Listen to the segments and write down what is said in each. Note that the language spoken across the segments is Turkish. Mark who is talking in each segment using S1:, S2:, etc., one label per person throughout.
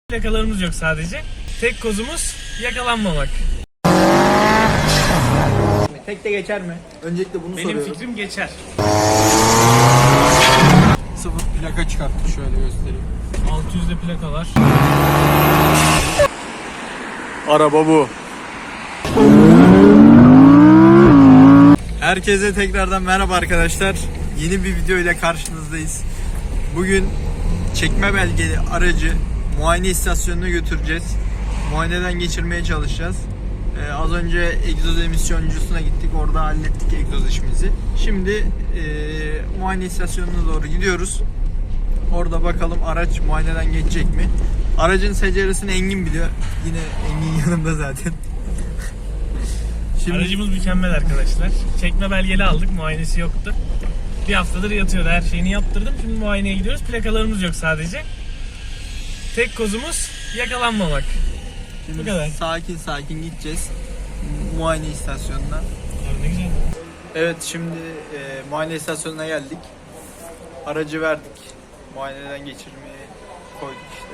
S1: Plakalarımız yok sadece. Tek kozumuz yakalanmamak.
S2: Tekte geçer mi? Öncelikle bunu soruyorum.
S1: Benim fikrim geçer.
S2: Sıfır plaka çıkarttık, şöyle göstereyim.
S1: 600'de plakalar.
S2: Araba bu. Herkese tekrardan merhaba arkadaşlar. Yeni bir video ile karşınızdayız. Bugün çekme belgeli aracı muayene istasyonuna götüreceğiz. Muayeneden geçirmeye çalışacağız. Az önce egzoz emisyoncususuna gittik. Orada hallettik egzoz işimizi. Şimdi muayene istasyonuna doğru gidiyoruz. Orada bakalım araç muayeneden geçecek mi? Aracın seceresini Engin biliyor. Yine Engin yanımda zaten.
S1: Şimdi... Aracımız mükemmel arkadaşlar. Çekme belgeli aldık. Muayenesi yoktu. Bir haftadır yatıyordu. Her şeyini yaptırdım. Şimdi muayeneye gidiyoruz. Plakalarımız yok sadece. Tek kozumuz yakalanmamak.
S2: Şimdi
S1: bu kadar.
S2: Sakin sakin gideceğiz muayene istasyonuna.
S1: Abi ne güzel.
S2: Evet, şimdi muayene istasyonuna geldik. Aracı verdik. Muayeneden geçirmeye koyduk işte.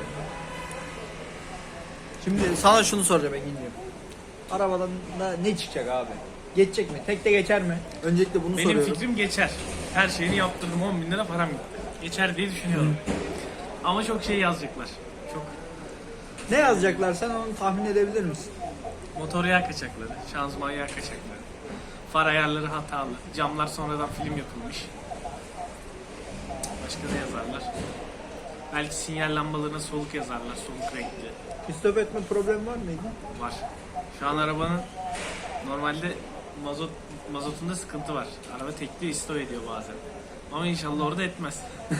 S2: Şimdi sana şunu soracağım Engin'ciğim. Arabadan da ne çıkacak abi? Geçecek mi? Tekte geçer mi? Öncelikle bunu soruyorum.
S1: Benim fikrim geçer. Her şeyini yaptırdım. 10.000 lira param gitti. Geçer diye düşünüyorum. Ama çok şey yazacaklar. Çok.
S2: Ne yazacaklar, sen onu tahmin edebilir misin?
S1: Motor yağ kaçakları, şanzıman yağ kaçakları, far ayarları hatalı, camlar sonradan film yapılmış. Başka ne yazarlar? Belki sinyal lambalarına soluk yazarlar, soluk renkli.
S2: İstop etme problemi var mıydı?
S1: Var. Şu an arabanın normalde mazotunda sıkıntı var. Araba tekli istop ediyor bazen. Ama inşallah orada etmez.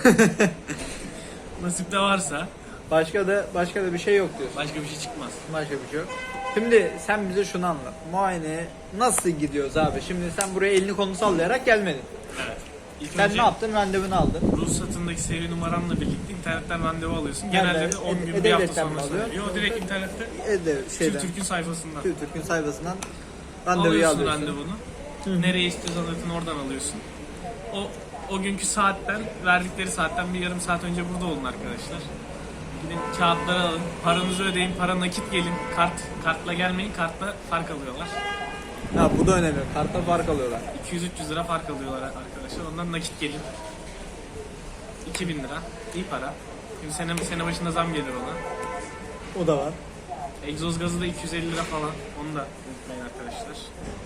S1: Nasipte varsa.
S2: Başka da bir şey yok diyorsun.
S1: Başka bir şey çıkmaz.
S2: Başka bir şey yok. Şimdi sen bize şunu anlat. Muayeneye nasıl gidiyoruz abi? Şimdi sen buraya elini kolunu sallayarak gelmedin.
S1: Evet. İlk
S2: Sen
S1: önce
S2: ne yaptın? Randevunu aldın.
S1: ruhsatındaki seri numaranla birlikte internetten randevu alıyorsun.
S2: Nerede?
S1: Genelde de 10 gün bir hafta
S2: E-Devlet'ten mi
S1: sonra
S2: alıyorsun?
S1: söylüyor. O direkt internette
S2: Şeyden.
S1: TÜRK'ün sayfasından.
S2: TÜRK'ün sayfasından randevuyu
S1: Alıyorsun
S2: alıyorsun.
S1: randevunu. Nereye istiyorsan zaten oradan alıyorsun. O günkü saatten, verdikleri saatten bir yarım saat önce burada olun arkadaşlar. Gidin kağıtları alın, paranızı ödeyin, para nakit gelin. Kartla gelmeyin, kartla fark alıyorlar.
S2: Ha, bu da önemli. Kartta fark alıyorlar.
S1: 200-300 lira fark alıyorlar arkadaşlar. Ondan nakit gelin. 2000 lira. İyi para. Şimdi sene başında zam gelir ona.
S2: O da var.
S1: Egzoz gazı da 250 lira falan. Onu da unutmayın arkadaşlar.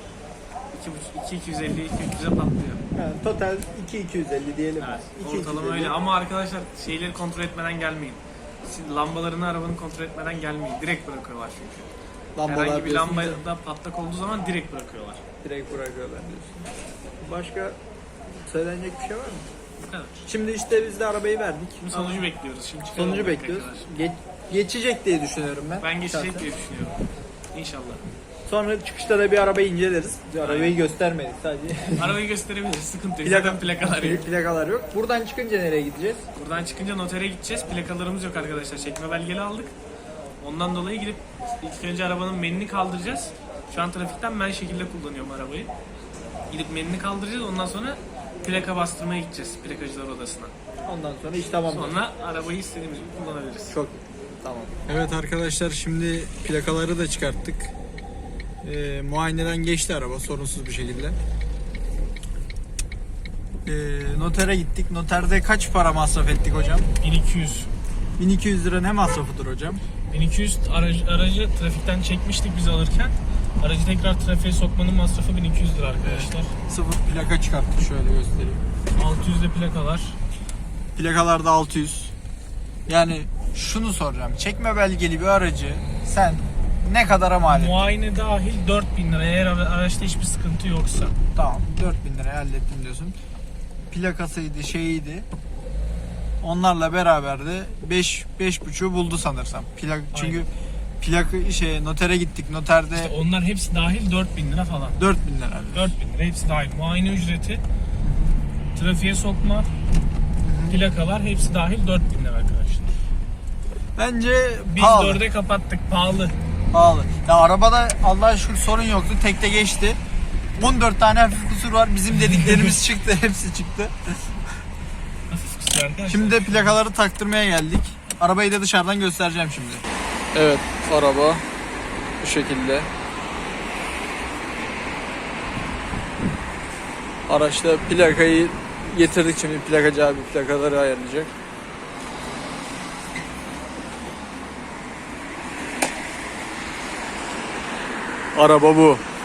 S1: 250-300'e patlıyor.
S2: Yani total 2250 diyelim.
S1: Evet.
S2: 2250.
S1: Ortalama öyle ama arkadaşlar şeyleri kontrol etmeden gelmeyin. Lambalarını arabanın kontrol etmeden gelmeyin. Direkt bırakıyorlar çünkü.
S2: Lambalar
S1: Herhangi bir
S2: diyorsun
S1: lambada
S2: da
S1: patlak olduğu zaman direkt bırakıyorlar.
S2: direkt bırakıyorlar diyorsun. Başka söylenecek bir şey var mı?
S1: Bu kadar.
S2: Şimdi işte biz de arabayı verdik.
S1: Şimdi sonucu bekliyoruz. Şimdi çıkaralım
S2: Sonucu bekliyoruz.
S1: tekrar.
S2: Geçecek diye düşünüyorum ben.
S1: Ben geçecek
S2: şahsen.
S1: diye düşünüyorum. İnşallah.
S2: Sonra çıkışta da bir arabayı inceleriz. Arabayı göstermedik sadece.
S1: Arabayı gösterebiliriz. Sıkıntı yok.
S2: Plaka-
S1: Zaten plakalar yok.
S2: Plakalar yok. Buradan çıkınca nereye gideceğiz?
S1: Buradan çıkınca notere gideceğiz. Plakalarımız yok arkadaşlar. Çekme belgeli aldık. Ondan dolayı gidip ilk önce arabanın menini kaldıracağız. Şu an trafikten men şekilde kullanıyorum arabayı. Gidip menini kaldıracağız. Ondan sonra plaka bastırmaya gideceğiz plakacılar odasına.
S2: Ondan sonra iş tamam.
S1: Sonra arabayı istediğimiz gibi kullanabiliriz.
S2: Çok tamam. Evet arkadaşlar, şimdi plakaları da çıkarttık. Muayeneden geçti araba sorunsuz bir şekilde. Notere gittik. Noterde kaç para masraf ettik hocam?
S1: 1200.
S2: 1200 lira ne masrafıdır hocam?
S1: 1200 aracı trafikten çekmiştik biz alırken. Aracı tekrar trafiğe sokmanın masrafı 1200 lira arkadaşlar.
S2: Sıfır plaka çıkarttık, şöyle göstereyim.
S1: 600'de plakalar.
S2: Plakalarda 600. Yani şunu soracağım. Çekme belgeli bir aracı sen ne kadara mal ettin?
S1: Muayene dahil 4000 lira eğer araçta hiçbir sıkıntı yoksa.
S2: Tamam, 4000 liraya hallettim diyorsun. Plakasıydı, şeyiydi. Onlarla beraber de 5,5'u buldu sanırsam. Çünkü notere gittik. Noterde
S1: İşte onlar hepsi dahil 4000 lira falan.
S2: 4000 lira.
S1: 4000 lira hepsi dahil. Muayene ücreti, trafiğe sokma, plakalar hepsi dahil 4000 lira arkadaşlar.
S2: Bence
S1: Biz
S2: pahalı.
S1: 4'e kapattık, pahalı.
S2: Pahalı. Ya arabada Allah'a şükür sorun yoktu. Tekte geçti. 14 tane hafif kusur var. Bizim dediklerimiz çıktı. Hepsi çıktı.
S1: Hafif kusur arkadaşlar.
S2: Şimdi de plakaları taktırmaya geldik. Arabayı da dışarıdan göstereceğim şimdi.
S3: Evet, araba bu şekilde. Araçta plakayı getirdik, şimdi plakacı abi plakaları ayarlayacak. Araba bu.